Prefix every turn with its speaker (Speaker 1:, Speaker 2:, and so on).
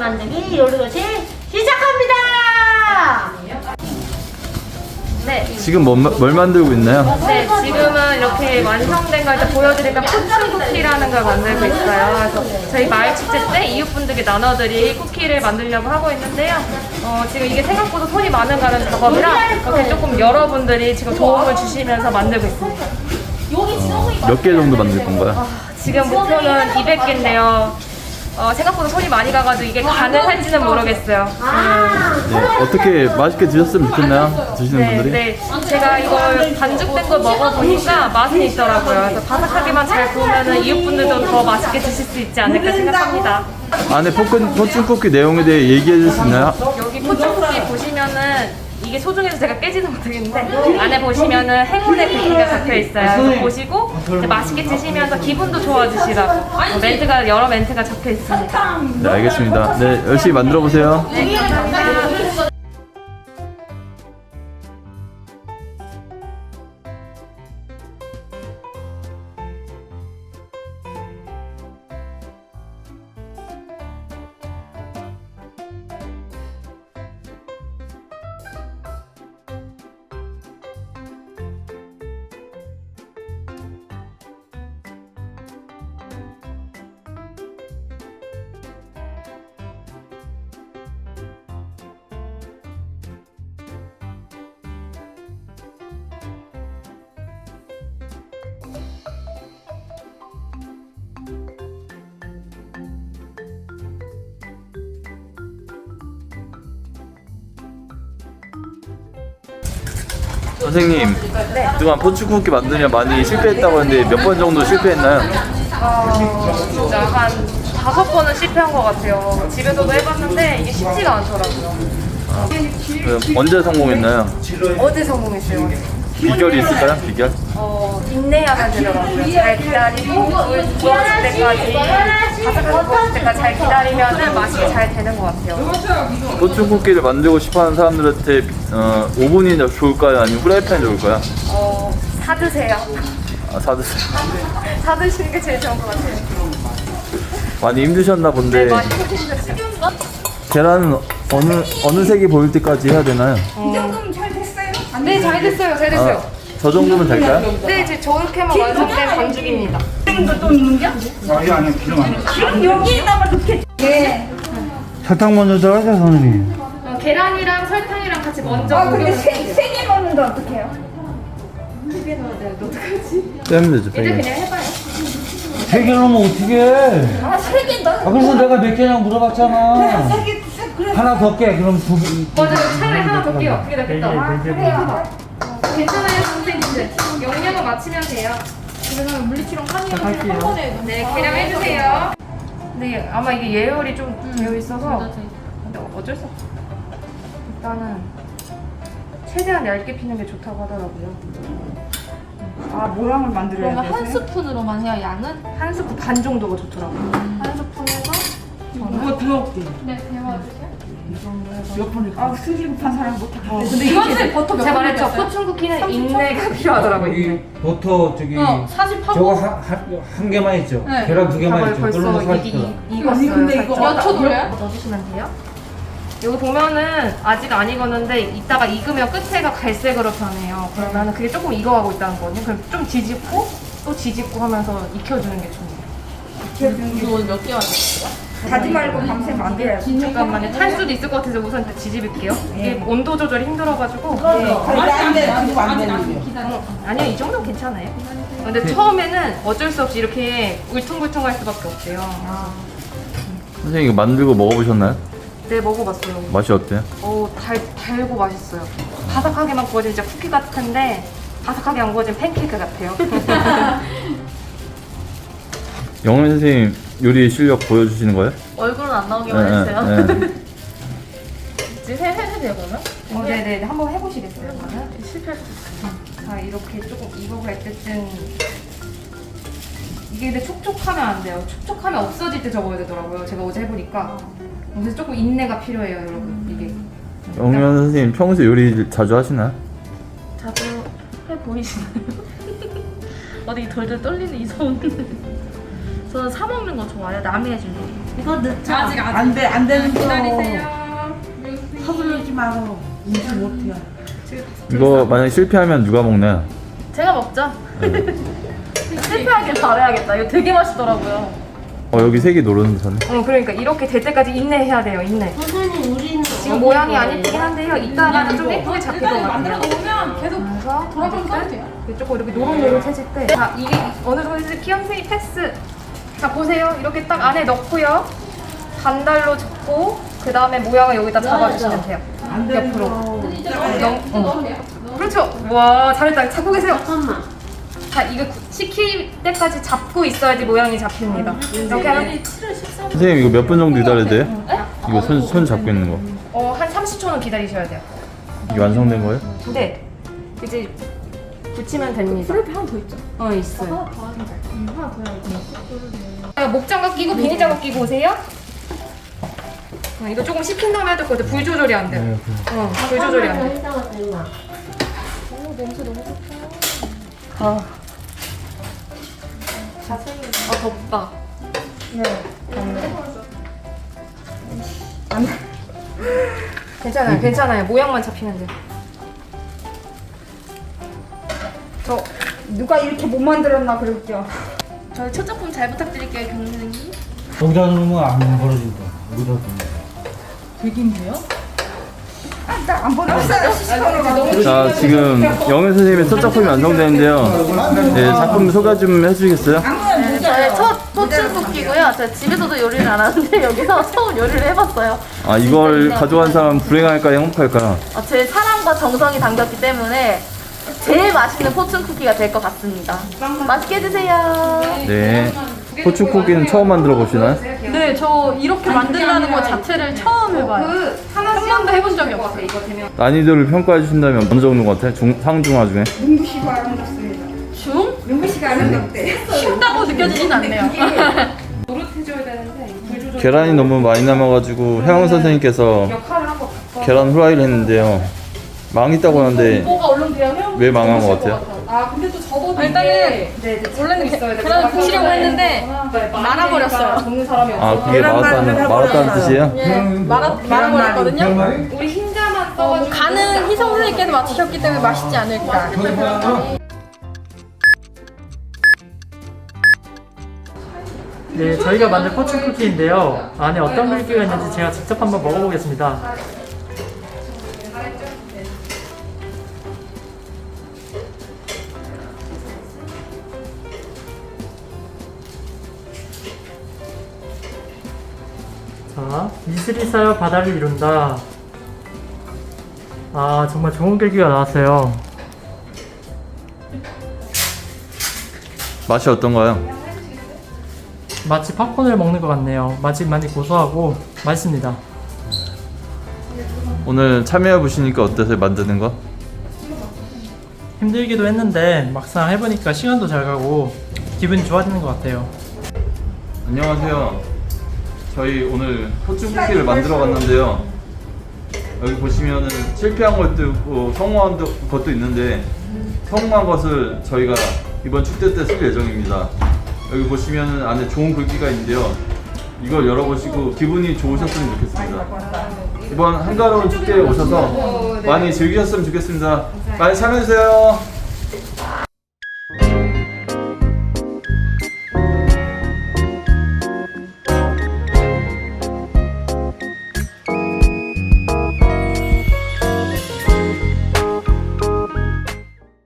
Speaker 1: 만들기 요리도시 시작합니다.
Speaker 2: 네.
Speaker 3: 지금 뭘 만들고 있나요?
Speaker 2: 네, 지금은 이렇게 완성된 걸 이제 보여드리면 포춘 쿠키라는 걸 만들고 있어요. 그래서 저희 마을 축제 때 이웃분들께 나눠드릴 쿠키를 만들려고 하고 있는데요. 지금 이게 생각보다 손이 많은 가는 작업이라 이렇게 조금 여러분들이 지금 도움을 주시면서 만들고 있습니다.
Speaker 3: 몇 개 정도 만들 건가요?
Speaker 2: 지금 목표는 200개인데요. 생각보다 손이 많이 가가지고 이게 가능할지는 모르겠어요.
Speaker 3: 네, 어떻게 맛있게 드셨으면 좋겠나요? 드시는 분들이?
Speaker 2: 네. 제가 이걸 반죽된 걸 먹어보니까 맛이 있더라고요. 그래서 바삭하게만 잘 구우면 이웃분들도 더 맛있게 드실 수 있지 않을까 생각합니다.
Speaker 3: 안에 포춘 쿠키 내용에 대해 얘기해 줄 수 있나요?
Speaker 2: 여기 포춘 쿠키 보시면은 이게 소중해서 제가 깨지는 못하겠는데 안에 보시면은 행운의 글귀가 적혀 있어요. 그래서 보시고 이제 맛있게 드시면서 기분도 좋아지시라고 멘트가 여러 멘트가 적혀 있습니다.
Speaker 3: 네, 알겠습니다. 네, 열심히 만들어 보세요.
Speaker 2: 네, 감사합니다.
Speaker 3: 선생님, 그동안 포춘 쿠키 만드냐 많이 실패했다고 하는데 몇 번 정도 실패했나요?
Speaker 2: 진짜 한 5번은 실패한 것 같아요. 집에서도 해봤는데 이게 쉽지가 않더라고요.
Speaker 3: 그럼 언제 성공했나요?
Speaker 2: 어제 성공했어요.
Speaker 3: 비결이 있을까요? 비결?
Speaker 2: 인내하면 되더라고요. 잘 기다리고 물 부어질 때까지 바삭하게 부어질 때까지 잘 기다리면 맛있게 잘 되는 것 같아요.
Speaker 3: 포춘 쿠키를 만들고 싶어하는 사람들한테 오븐이 좋을까요? 아니면 프라이팬이 좋을까요?
Speaker 2: 사드세요.
Speaker 3: 아, 사드세요.
Speaker 2: 사드시는 게 제일 좋은 것 같아요.
Speaker 3: 많이 힘드셨나 본데
Speaker 2: 많이 힘드셨어요.
Speaker 3: 계란은 어느 색이 보일 때까지 해야 되나요?
Speaker 4: 이 정도면 잘 됐어요?
Speaker 2: 네, 잘 됐어요. 잘 됐어요.
Speaker 3: 저 정도면 될까요?
Speaker 2: 네, 이제 저렇게만 완성된 반죽입니다.
Speaker 4: 또 있는겨? 지금 여기에다가 넣게. 네.
Speaker 5: 설탕 먼저 들어가죠, 선생님.
Speaker 2: 계란이랑 설탕이랑 같이 먼저
Speaker 4: 아 근데
Speaker 2: 녹여서
Speaker 4: 세개 넣는데 어떡해요?
Speaker 3: 떼면 되죠,
Speaker 2: 이제
Speaker 3: 베개.
Speaker 2: 그냥 해봐요.
Speaker 5: 3개 넣으면 어떻게 해?
Speaker 4: 아 3개 넣어.
Speaker 5: 아, 그래서 내가 몇 개냐고 물어봤잖아.
Speaker 4: 3개 그래.
Speaker 5: 하나 더 깨, 그럼 2개.
Speaker 2: 맞아요. 차라리 하나 더 끼요. 그게 낫겠다.
Speaker 4: 그래요.
Speaker 2: 괜찮아요, 선생님들. 용량을 맞추면 돼요. 그래서 물리치랑 한이랑 한 번에. 네, 계량 해주세요. 네, 아마 이게 예열이 좀 되어 있어서. 근데 어쩔 수 없어. 일단은 최대한 얇게 피는 게 좋다고 하더라고요.
Speaker 4: 아 모양을 만들어야
Speaker 6: 그러면 한
Speaker 4: 돼.
Speaker 6: 스푼으로만 해요, 양은?
Speaker 2: 한 스푼 반 정도가 좋더라고요.
Speaker 6: 한 스푼에서?
Speaker 4: 이거 들어올게.
Speaker 6: 네, 데워주세요.
Speaker 4: 몇 번을? 아 승질 급한 사람 못하겠어.
Speaker 2: 근데 이거는 버터 제가 말했죠. 포춘 쿠키는 인내가 필요하더라고요.
Speaker 5: 여기 버터 저기
Speaker 6: 48번?
Speaker 5: 저거 한 개만 있죠?
Speaker 6: 네.
Speaker 5: 계란 2개만 있죠?
Speaker 2: 벌써
Speaker 5: 그걸로
Speaker 2: 이게
Speaker 5: 40개.
Speaker 2: 익었어요.
Speaker 4: 근데 이거
Speaker 2: 살짝.
Speaker 6: 몇 초 돌려요?
Speaker 2: 넣어주시면 돼요. 여기 보면은 아직 안 익었는데 이따가 익으면 끝에가 갈색으로 변해요. 그러면 그게 조금 익어가고 있다는 거거든요. 그럼 좀 뒤집고 또 뒤집고 하면서 익혀주는 게 중요해요.
Speaker 6: 이거 오늘 몇 개 만들었어요?
Speaker 4: 가지 말고 밤새 만들어야지.
Speaker 2: 잠깐만요. 탈 수도 있을 것 같아서 우선 일단 뒤집을게요. 이게 온도 조절이 힘들어가지고.
Speaker 4: 안돼 가지고 안 되는데.
Speaker 2: 아니요, 이 정도는 괜찮아요. 근데 처음에는 어쩔 수 없이 이렇게 울퉁불퉁할 수밖에 없대요.
Speaker 3: 선생님 이거 만들고 먹어보셨나요?
Speaker 2: 네, 먹어봤어요.
Speaker 3: 맛이 어때요?
Speaker 2: 달고 맛있어요. 바삭하게만 구워진 진짜 쿠키 같은데 바삭하게 안 구워진 팬케이크 같아요.
Speaker 3: 영원 선생님 요리 실력 보여주시는 거예요?
Speaker 6: 얼굴은 안 나오기만 했어요.
Speaker 3: 네.
Speaker 6: 지금 해도 돼요, 그러면?
Speaker 2: 네네, 한번 해보시겠어요? 그러면? 실패할 수 있어요. 자, 이렇게 조금 익어갈 때쯤 이게 근데 촉촉하면 안 돼요. 촉촉하면 없어질 때 적어야 되더라고요. 제가 어제 해보니까. 그래서 조금 인내가 필요해요, 여러분. 이게.
Speaker 3: 영원 선생님 평소에 요리 자주 하시나요?
Speaker 6: 자주 해보이시나요? 어디 덜덜 떨리는 이성은. 저는 사 먹는 거 좋아해요, 남이 해준 요리.
Speaker 1: 이거 넣자.
Speaker 2: 아직
Speaker 4: 안 돼, 안 되는 거.
Speaker 2: 기다리세요.
Speaker 4: 서두르지 마고. 인지 못해요.
Speaker 3: 이거 만약에 실패하면 누가 먹나요?
Speaker 6: 제가 먹죠. 실패하길 바라야겠다. 이거 되게 맛있더라고요.
Speaker 3: 여기 색이 노른자네.
Speaker 2: 그러니까 이렇게 될 때까지 인내해야 돼요. 인내.
Speaker 1: 선생님 우리는
Speaker 2: 지금 모양이 안 예쁘긴 한데요. 이따가는 좀 예쁘게 잡힐 것 같아요.
Speaker 4: 만들어 놓으면 계속
Speaker 2: 그래서
Speaker 4: 돌아가면 써도 돼요.
Speaker 2: 조금 이렇게 노릇노릇해질 때, 자 이게 어느 정도 해줄 키영생이 패스. 자 보세요. 이렇게 딱 안에 넣고요. 반달로 접고 그 다음에 모양을 여기다 잡아주시면 돼요.
Speaker 4: 안 되는
Speaker 2: 옆으로.
Speaker 4: 거.
Speaker 2: 그렇죠. 와 잘했다. 잡고 계세요.
Speaker 1: 잠깐만.
Speaker 2: 자 이거 식힐 때까지 잡고 있어야지 모양이 잡힙니다. 이렇게 하면
Speaker 3: 선생님 이거 몇 분 정도 기다려야 돼요? 이거 손 잡고 있는 거.
Speaker 2: 한 30초는 기다리셔야 돼요.
Speaker 3: 이게 완성된 거예요?
Speaker 2: 근데 이제 붙이면 됩니다. 프라이팬 하나 더 있죠? 있어요. 목장갑 끼고 비닐장갑 끼고 오세요. 이거 조금 식힌 다음에 해야 될 것 같아. 불 조절이 안 돼요. 불 조절이 안 돼. 덥다. 괜찮아요, 괜찮아요. 모양만 잡히면 돼요.
Speaker 4: 누가 이렇게 못 만들었나 그랬죠.
Speaker 6: 저희 첫 작품 잘 부탁드릴게요, 경선생님.
Speaker 5: 여기다 놓으면 안 벌어진다. 여기다 놓으면.
Speaker 6: 되게 힘들어요?
Speaker 4: 안 보냈어요.
Speaker 3: 자 지금 영애 선생님의 첫 작품이 완성되는데요. 네, 작품 소개 좀 해주시겠어요?
Speaker 6: 네, 저의 첫 포춘 쿠키고요. 제가 집에서도 요리를 안 하는데 여기서 처음 요리를 해봤어요.
Speaker 3: 아 이걸 가져간 사람 불행할까요? 행복할까요?
Speaker 6: 제 사랑과 정성이 담겼기 때문에 제일 맛있는 포춘 쿠키가 될 것 같습니다. 맛있게 드세요.
Speaker 3: 네. 포춘 쿠키는 처음 만들어 보시나요?
Speaker 6: 네, 저 이렇게 만든다는 것 자체를 처음 해봐요.
Speaker 2: 한 번도 해본 적이 없어요. 이거 되면.
Speaker 3: 난이도를 평가해 주신다면 어느 정도 같아요? 상중하 중에?
Speaker 4: 눈부시고 아름답습니다.
Speaker 6: 중?
Speaker 4: 눈부시고 아름답대.
Speaker 6: 쉽다고 느껴지진 않네요.
Speaker 2: 노릇해줘야 되는데 불 조절.
Speaker 3: 계란이 너무 많이 남아가지고 혜영 선생님께서
Speaker 2: 역할을 한거 바꿔.
Speaker 3: 계란 후라이를 했는데요. 망했다고 하는데
Speaker 2: 뭐가 얼른 돼요?
Speaker 3: 왜 망한 것 같아요?
Speaker 2: 아 근데 또 접어도
Speaker 6: 일단은
Speaker 2: 원래는 있어야 돼.
Speaker 6: 계란을 부치려고 했는데 말아버렸어요.
Speaker 2: 접는 사람이 없어.
Speaker 3: 아 그게 말았다는 뜻이에요?
Speaker 6: 예, 말아버렸거든요.
Speaker 2: 우리 흰자만 써가지고
Speaker 6: 간은 희성 선생님께서 맞추셨기 때문에 맛있지 않을까.
Speaker 7: 네, 저희가 만든 포춘 쿠키인데요. 안에 어떤 물기가 있는지 제가 직접 한번 먹어보겠습니다. 자, 이슬이 쌓여 바다를 이룬다. 아, 정말 좋은 글귀가 나왔어요.
Speaker 3: 맛이 어떤가요?
Speaker 7: 마치 팝콘을 먹는 것 같네요. 맛이 많이 고소하고 맛있습니다.
Speaker 3: 오늘 참여해 보시니까 어떠세요? 만드는 거?
Speaker 7: 힘들기도 했는데 막상 해보니까 시간도 잘 가고 기분이 좋아지는 것 같아요.
Speaker 3: 안녕하세요. 저희 오늘 포춘 쿠키를 만들어 봤는데요. 여기 보시면은 실패한 것도 있고 성공한 것도 있는데 성공한 것을 저희가 이번 축제 때 쓸 예정입니다. 여기 보시면은 안에 좋은 글귀가 있는데요. 이걸 열어보시고 기분이 좋으셨으면 좋겠습니다. 이번 한가로운 축제에 오셔서 많이 즐기셨으면 좋겠습니다. 많이 참여해주세요.